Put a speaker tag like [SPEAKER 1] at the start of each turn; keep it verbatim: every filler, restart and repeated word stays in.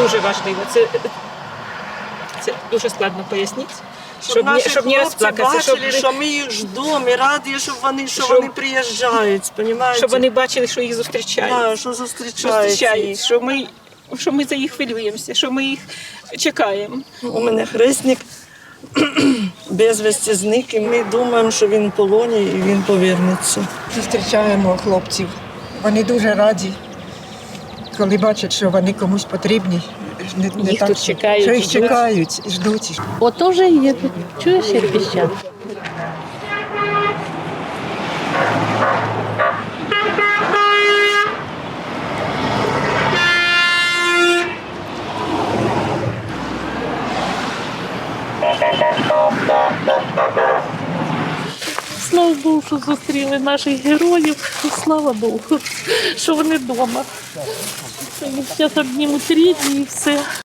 [SPEAKER 1] дуже важливо. Це, це дуже складно пояснити.
[SPEAKER 2] Щоб,
[SPEAKER 1] Щоб,
[SPEAKER 2] наші
[SPEAKER 1] не, щоб не
[SPEAKER 2] хлопці
[SPEAKER 1] розплакатися,
[SPEAKER 2] бачили,
[SPEAKER 1] щоб,
[SPEAKER 2] що ми їх ждемо, і раді, щоб вони, що
[SPEAKER 1] Щоб-
[SPEAKER 2] вони приїжджають, понімаєте?
[SPEAKER 1] щоб вони бачили, що їх зустрічають.
[SPEAKER 2] Да, що
[SPEAKER 1] Що
[SPEAKER 2] зустрічають
[SPEAKER 1] зустрічають,
[SPEAKER 2] їх.
[SPEAKER 1] що ми, що ми за їх хвилюємося, що ми їх чекаємо.
[SPEAKER 2] У мене хресник безвісті зник, і ми думаємо, що він в полоні і він повернеться.
[SPEAKER 3] Зустрічаємо хлопців. Вони дуже раді, коли бачать, що вони комусь потрібні. Не, не
[SPEAKER 1] Їх
[SPEAKER 3] так,
[SPEAKER 1] тут
[SPEAKER 3] що-
[SPEAKER 1] чекають,
[SPEAKER 3] Що їх
[SPEAKER 1] ждуть.
[SPEAKER 3] чекають і ждуть.
[SPEAKER 4] Ото вже їдуть. Чуєш, як піщать? Слава Богу, що зустріли наших героїв. Слава Богу, що вони вдома. Зараз обнімуть рідні і все.